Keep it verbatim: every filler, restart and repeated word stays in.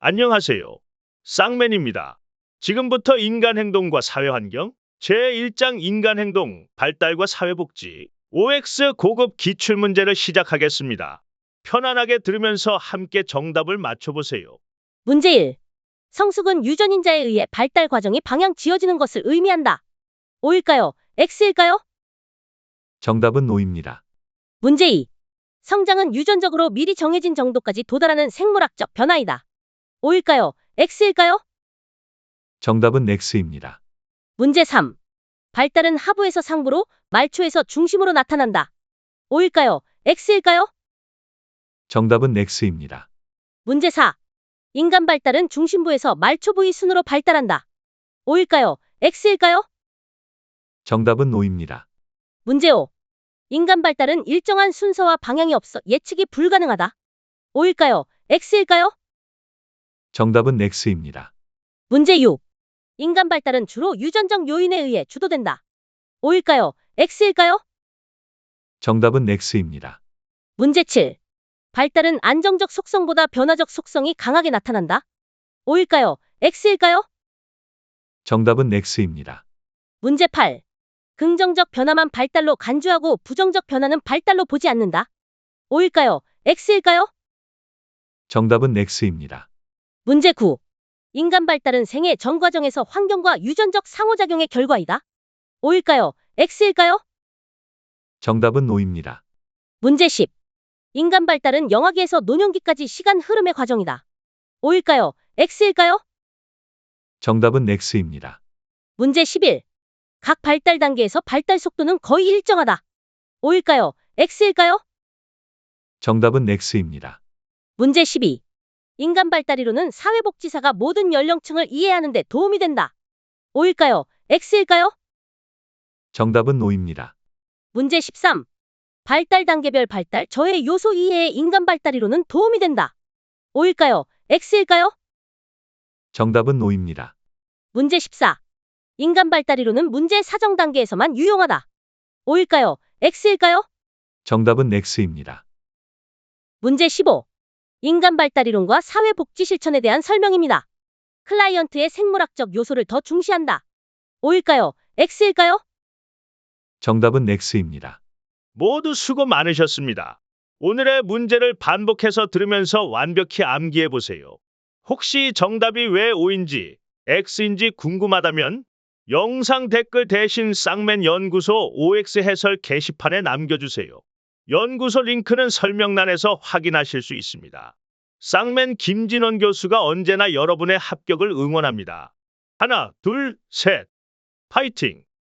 안녕하세요. 쌍맨입니다. 지금부터 인간행동과 사회환경 제일 장 인간행동, 발달과 사회복지 오엑스 고급 기출문제를 시작하겠습니다. 편안하게 들으면서 함께 정답을 맞춰보세요. 문제 일. 성숙은 유전인자에 의해 발달 과정이 방향 지어지는 것을 의미한다. O일까요? X일까요? 정답은 O입니다. 문제 이. 성장은 유전적으로 미리 정해진 정도까지 도달하는 생물학적 변화이다. O일까요? X일까요? 정답은 X입니다. 문제 삼. 발달은 하부에서 상부로, 말초에서 중심으로 나타난다. O일까요? X일까요? 정답은 X입니다. 문제 사. 인간 발달은 중심부에서 말초 부위 순으로 발달한다. O일까요? X일까요? 정답은 O입니다. 문제 오. 인간 발달은 일정한 순서와 방향이 없어 예측이 불가능하다. O일까요? X일까요? 정답은 X입니다. 문제 육. 인간 발달은 주로 유전적 요인에 의해 주도된다. O일까요? X일까요? 정답은 X입니다. 문제 칠. 발달은 안정적 속성보다 변화적 속성이 강하게 나타난다. O일까요? X일까요? 정답은 X입니다. 문제 팔. 긍정적 변화만 발달로 간주하고 부정적 변화는 발달로 보지 않는다. O일까요? X일까요? 정답은 X입니다. 문제 구. 인간 발달은 생애 전 과정에서 환경과 유전적 상호작용의 결과이다. O일까요? X일까요? 정답은 O입니다. 문제 십. 인간 발달은 영아기에서 노년기까지 시간 흐름의 과정이다. O일까요? X일까요? 정답은 X입니다. 문제 십일. 각 발달 단계에서 발달 속도는 거의 일정하다. O일까요? X일까요? 정답은 X입니다. 문제 십이. 인간 발달 이론은 사회복지사가 모든 연령층을 이해하는 데 도움이 된다. O일까요? X일까요? 정답은 O입니다. 문제 십삼. 발달 단계별 발달 저해 요소 이해에 인간 발달 이론은 도움이 된다. O일까요? X일까요? 정답은 O입니다. 문제 십사. 인간 발달 이론은 문제 사정 단계에서만 유용하다. O일까요? X일까요? 정답은 X입니다. 문제 십오. 인간 발달 이론과 사회복지 실천에 대한 설명입니다. 클라이언트의 생물학적 요소를 더 중시한다. O일까요? X일까요? 정답은 X입니다. 모두 수고 많으셨습니다. 오늘의 문제를 반복해서 들으면서 완벽히 암기해 보세요. 혹시 정답이 왜 O인지, X인지 궁금하다면 영상 댓글 대신 쌍맨 연구소 오엑스 해설 게시판에 남겨주세요. 연구소 링크는 설명란에서 확인하실 수 있습니다. 쌍맨 김진원 교수가 언제나 여러분의 합격을 응원합니다. 하나, 둘, 셋. 파이팅!